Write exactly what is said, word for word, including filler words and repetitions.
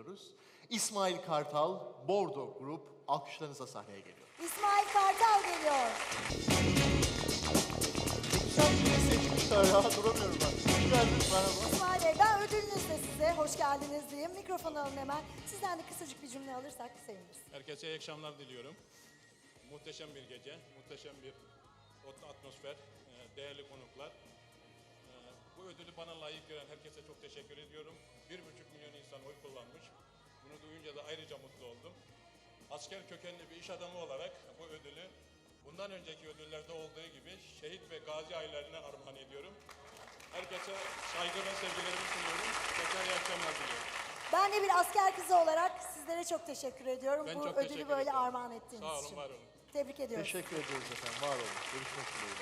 ediyoruz. İsmail Kartal, Bordo Grup alkışlarınızla sahneye geliyor. İsmail Kartal geliyor. Sen beni seçmişler ya, duramıyorum ben. Hoş geldiniz, merhaba. İsmail Bey, ben ödülünüzle size hoş geldiniz diyeyim. Mikrofonu alın hemen. Sizden de kısacık bir cümle alırsak seviniriz. Herkese iyi akşamlar diliyorum. Muhteşem bir gece, muhteşem bir atmosfer, değerli konuklar. Bu ödülü bana layık gören herkese çok teşekkür ediyorum. Bir buçuk milyon insan oy kullanmış. Bunu duyunca da ayrıca mutlu oldum. Asker kökenli bir iş adamı olarak bu ödülü bundan önceki ödüllerde olduğu gibi şehit ve gazi ailelerine armağan ediyorum. Herkese saygı ve sevgilerimi sunuyorum. Tekrar iyi akşamlar diliyorum. Ben de bir asker kızı olarak sizlere çok teşekkür ediyorum. Ben bu çok ödülü teşekkür böyle ederim. armağan ettiğiniz Sağ olun, için. var olun. Tebrik ediyorum. Teşekkür ediyoruz efendim, var olun. Görüşmek dileğiyle.